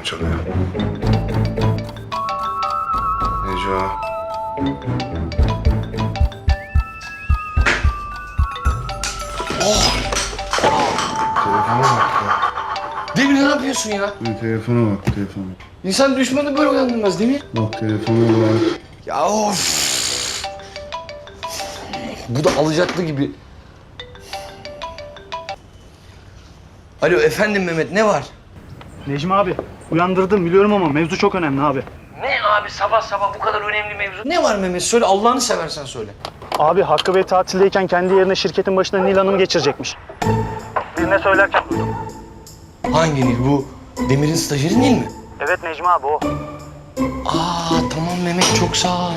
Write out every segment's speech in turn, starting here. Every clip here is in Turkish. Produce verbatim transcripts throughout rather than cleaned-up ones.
çalıyor. Neco. Oh! Telefona bak ya. Demir ne yapıyorsun ya? Bir telefona bak, telefona. İnsan düşmanı böyle uyandırmaz Demir. Bak telefona bak. Ya of! Bu da alacaklı gibi. Alo efendim Mehmet ne var? Necmi abi, uyandırdım biliyorum ama mevzu çok önemli abi. Ne abi sabah sabah bu kadar önemli mevzu? Ne var Mehmet söyle Allah'ını seversen söyle. Abi Hakkı Bey tatildeyken kendi yerine şirketin başına Nil Hanım geçirecekmiş. Birine söylerken duydum. Hangi Nil bu? Demir'in stajyeri Nil mi? Evet Necmi abi o. Aa tamam Mehmet çok sağ ol.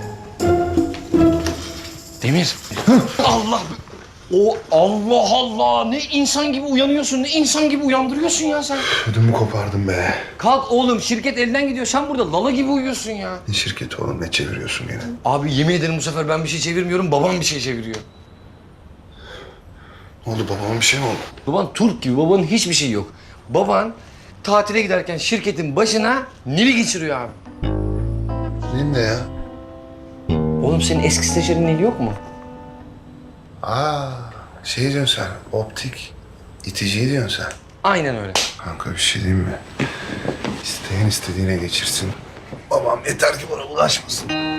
Demir. Allah. O Allah Allah ne insan gibi uyanıyorsun ne insan gibi uyandırıyorsun ya sen. Ödümü kopardım be. Kalk oğlum şirket elden gidiyor sen burada lala gibi uyuyorsun ya. Ne şirketi oğlum, ne çeviriyorsun yine? Abi yemin ederim bu sefer ben bir şey çevirmiyorum babam bir şey çeviriyor. Ne oldu, babama bir şey mi oldu? Baban Türk gibi babanın hiçbir şeyi yok. Baban tatile giderken şirketin başına Nil'i geçiriyor abi. Nil ne ya? Oğlum senin eski stajyerin Nil yok mu? Aa, şey diyorsun sen, optik. İticiyi diyorsun sen. Aynen öyle. Kanka bir şey diyeyim mi? İsteyen istediğine geçirsin. Babam yeter ki bana bulaşmasın.